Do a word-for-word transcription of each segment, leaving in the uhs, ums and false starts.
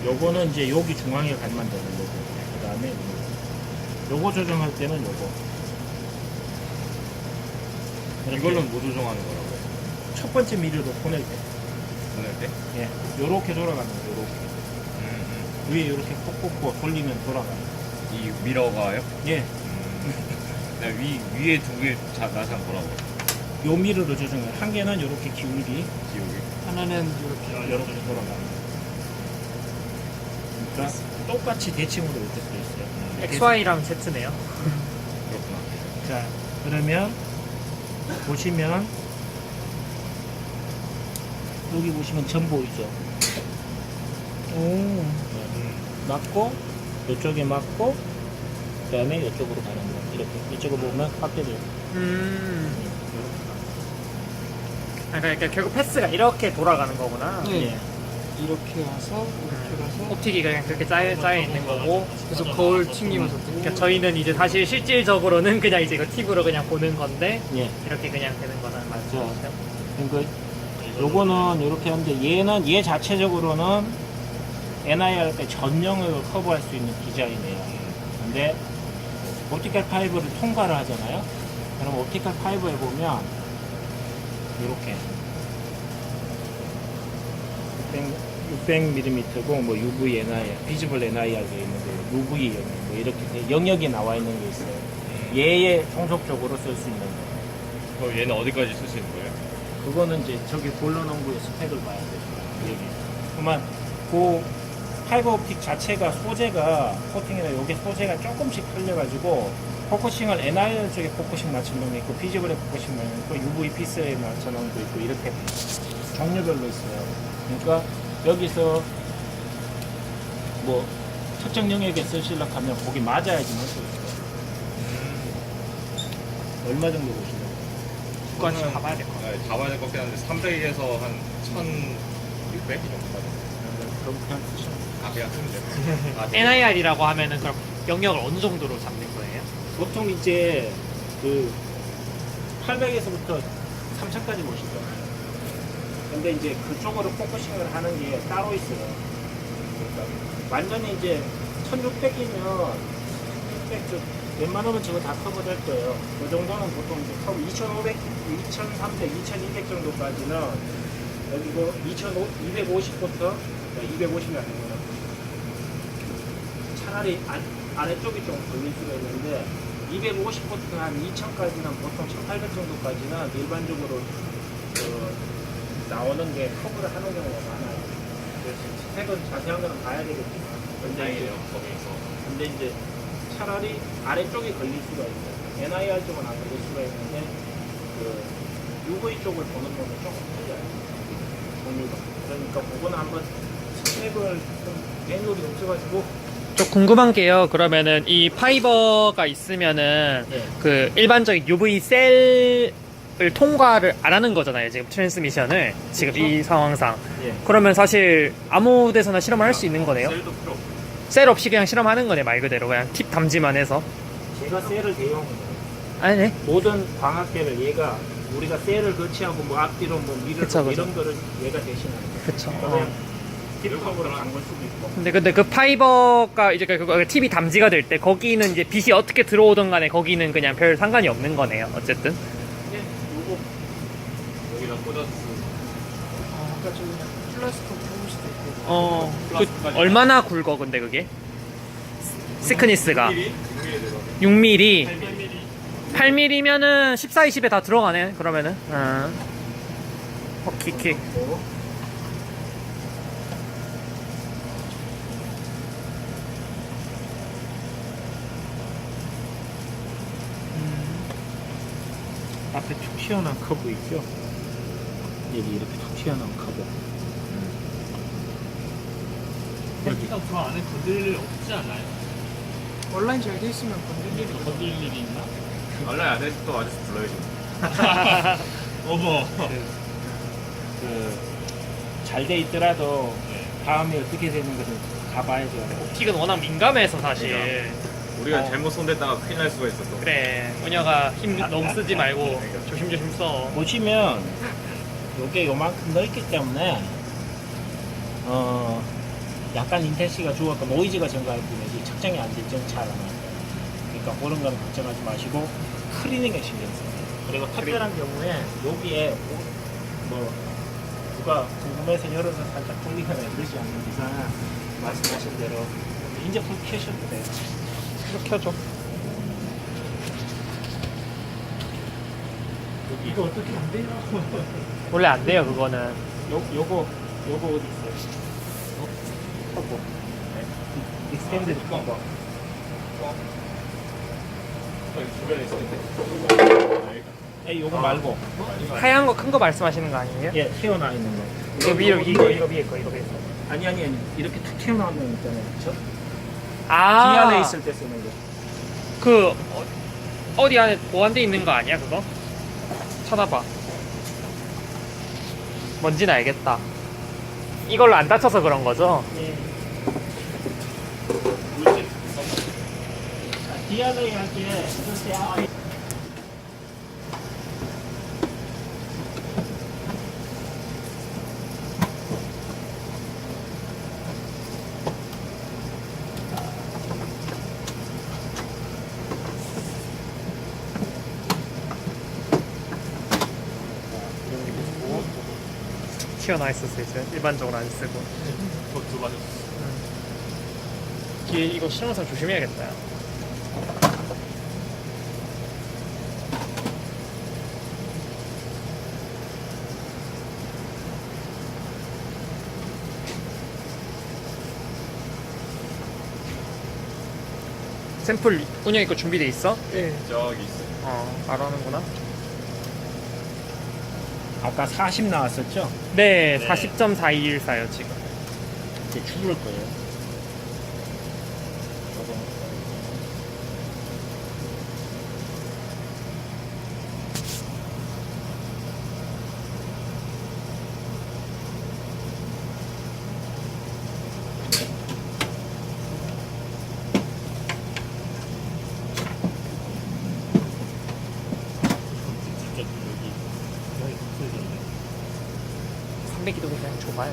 요거는 이제 여기 중앙에 갈만 되는 거고, 그 다음에 요거 조정할 때는 요거. 이걸로는 뭐 조정하는 거라고? 첫 번째 미러로 보낼 때. 보낼 때? 예. 요렇게 돌아가는 거, 요렇게. 음, 음. 위에 요렇게 콕콕콕 돌리면 돌아가요. 이 미러가요? 예. 음. 네, 위, 위에 두 개 나상 보라고. 요 미러로 조정해요. 한 개는 요렇게 기울기, 기억이. 하나는 이렇게 요렇게 돌아가는 거. 그러니까 똑같이 대칭으로 이렇게 돼 있어요. 엑스 와이랑 Z네요. 그렇구나. 자, 그러면 보시면 여기 보시면 점 보이죠? 오. 맞고 이쪽에 맞고 그 다음에 이쪽으로 가는 거 이렇게 이쪽을 보면 확대돼요. 음. 아, 그러니까 결국 패스가 이렇게 돌아가는 거구나. 예. 이렇게 와서 이렇게 가서 옵틱이 그냥 그렇게 짜여, 짜여 있는 거고. 그래서 거울 튕기면서 뜨고 그러니까 저희는 이제 사실 실질적으로는 그냥 이제 이거 팁으로 그냥 보는 건데 예. 이렇게 그냥 되는 거는 맞죠. 그러니까 요거는 이렇게 하는데 얘는 얘 자체적으로는 엔아이알 때 전용을 커버할 수 있는 디자인이에요. 근데 옵티컬 파이브를 통과를 하잖아요. 그럼 옵티컬 파이브에 보면 이렇게 육백 밀리미터고 뭐 유브이 엔아이알, 비즈블 엔아이알 돼 있는 거, 유브이 영역 뭐 이렇게 돼- 영역이 나와 있는 게 있어요. 얘에 종속적으로 쓸 수 있는 거. 그럼 얘는 어디까지 쓸 수 있는 거예요? 그거는 이제 저기 볼러농구의 스펙을 봐야 되죠. 여기. 그러면 그 파이버 옵틱 자체가 소재가 코팅이나 요게 소재가 조금씩 틀려가지고 포커싱을 엔아이알 쪽에 포커싱 맞춘 놈이 있고 비즈블에 포커싱 맞춘 놈이 있고 유브이 피스에 맞춘 놈도 있고 이렇게 종류별로 있어요. 그러니까 여기서 뭐 특정 영역에 쓰시려고 하면 거기 맞아야지만 쓸 수 있어요. 얼마 정도 보시나요? 그거는 가봐야 될 것 같아요. 네, 가봐야 될 것 같긴 한데 삼백에서 한 천육백 이 정도 받아요. 그럼 그냥 쓰시면 아, 그냥 쓰면 돼요. 아, 엔아이알이라고 하면은 그럼 영역을 어느 정도로 잡는 거예요? 보통 이제 그 팔백에서부터 삼천까지 보시죠. 근데 이제 그쪽으로 포커싱을 하는 게 따로 있어요. 그러니까 완전히 이제 천육백이면 천육백 쪽 웬만하면 저거 다 커버될 거예요. 그 정도는 보통 이제 커버 이천오백, 이천삼백, 이천이백 정도까지는 여기고 이천이백오십부터 이백오십이 아니고요. 차라리 안, 아래쪽이 좀 걸릴 수가 있는데 이백오십부터 한 이천까지는 보통 천팔백 정도까지는 일반적으로 그 나오는 게 커버를 하는 경우가 많아요. 그래서 스펙은 자세한 거는 봐야 되겠지만 근데 이제, 다행이네요, 거기에서. 근데 이제 차라리 아래쪽이 걸릴 수가 있어요. 엔아이알 쪽은 안 걸릴 수가 있는데 그 유브이 쪽을 보는 거는 조금 틀려요. 종류가. 그러니까 그거는 한번 스펙을 좀 매뉴얼이 없어가지고 저 궁금한 게요. 그러면은 이 파이버가 있으면은 네. 그 일반적인 유브이 셀을 통과를 안 하는 거잖아요. 지금 트랜스미션을 지금 그렇죠. 이 상황상. 예. 그러면 사실 아무 데서나 실험을 할 수 있는 거네요. 셀도 필요 없고. 셀 없이 그냥 실험하는 거네, 말 그대로. 그냥 팁 담지만 해서. 제가 셀을 대용해요. 아니네. 모든 광학계를 얘가 우리가 셀을 거치하고 뭐 앞뒤로 뭐 미를 그쵸, 뭐 그쵸. 이런 거를 얘가 대신하는 거예요. 그쵸. 그러면 어. 딥컵으로 간 걸 수도 있고. 근데 근데 그 파이버가 이제 그 팁이 담지가 될 때 거기는 이제 빛이 어떻게 들어오든 간에 거기는 그냥 별 상관이 없는 거네요. 어쨌든. 예, 요거 여기다 꽂아서 아, 아까 저기 플라스틱 뽑을 수도 있고 어. 그 플라스틱까지. 얼마나 굵어 근데 그게? 시크니스가 육 밀리미터? 육 밀리미터 들어가요. 육 밀리미터. 팔 밀리미터면은 십사, 이십에 다 들어가네. 그러면은. 아. 어, 킥킥. 있고. 앞에 툭 튀어나온 커브 있죠? 여기 이렇게 툭 튀어나온 커브. 여기가 그 안에 건드릴 일 없지 않나요? 온라인 잘 돼 있으면 건들 일이 건드릴 일이 있나? 원래 안 해도 또 아저씨 불러야죠. 어머. 그 잘 돼 있더라도 다음에 어떻게 되는 것을 가봐야죠. 옵틱은 워낙 민감해서 사실. 우리가 어. 잘못 손댔다가 큰일 날 수가 있어 또. 그래. 은혁아 힘 너무 쓰지 말고 조심조심 써. 보시면 요게 요만큼 넓기 때문에 어 약간 인텐시가 죽었고 노이즈가 증가할 뿐이지 착장이 안 될지는 잘 안 나요. 그러니까 그런 거는 걱정하지 마시고 클리닝에 신경 써요. 그리고 특별한 경우에 여기에 뭐 누가 궁금해서 열어서 살짝 돌리거나 그러지 않는 이상 말씀하신 대로 이제 불 켜셔도 돼요. 이렇게 켜줘. 여기 이거 어떻게 안 돼요? 원래 안 돼요 그거는. 요, 요거 요거 어디 있어요? 어? 터보. 네. 익스텐드 터보. 주변에 있었는데. 예, 요거 말고. 하얀 거 큰 거 말씀하시는 거 아니에요? 예, 튀어나와 있는 거. 이거 위로 이거 이거 위에 거 이거 위에 거. 아니 아니 아니 이렇게 툭 튀어나오는 거 있잖아요. 저 아. 뒤 안에 있을 때 쓰는 거. 그 어, 어디 안에 보안돼 있는 거 아니야 그거? 쳐다봐. 뭔지는 알겠다. 이걸로 안 다쳐서 그런 거죠? 예. 디알에이 할때 글쎄 아 튀어나와 있을 수 있어요. 일반적으로 안 쓰고. 그것도 맞았어. 뒤에 이거 신호상 조심해야겠다. 샘플 운영이 거 준비돼 있어? 네. 저기 있어요. 어, 바로 하는구나. 아까 사십 나왔었죠? 네, 네. 사십 점 사이일사요 지금. 이제 죽을 거예요. 저거. 진짜 여기 여기 없어졌네. 삼백기도 그냥 좁아요.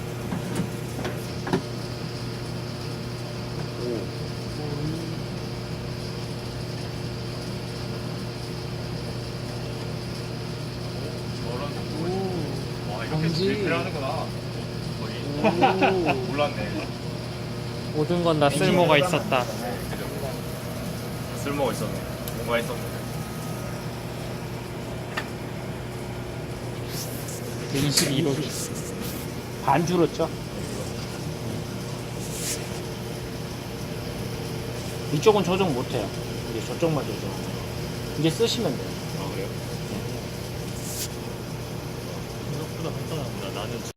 저런 와 이렇게 뭔지. 실패를 하는구나. 거의 몰랐네. 모든 건 다 쓸모가 있었다. 그죠? 쓸모가 있었네. 뭔가 있었네. 이십이 도 반 줄었죠? 이쪽은 조정 못해요. 이제 저쪽만 조정. 이제 쓰시면 돼요. 아 그래요? 생각보다 간단하구나. 나는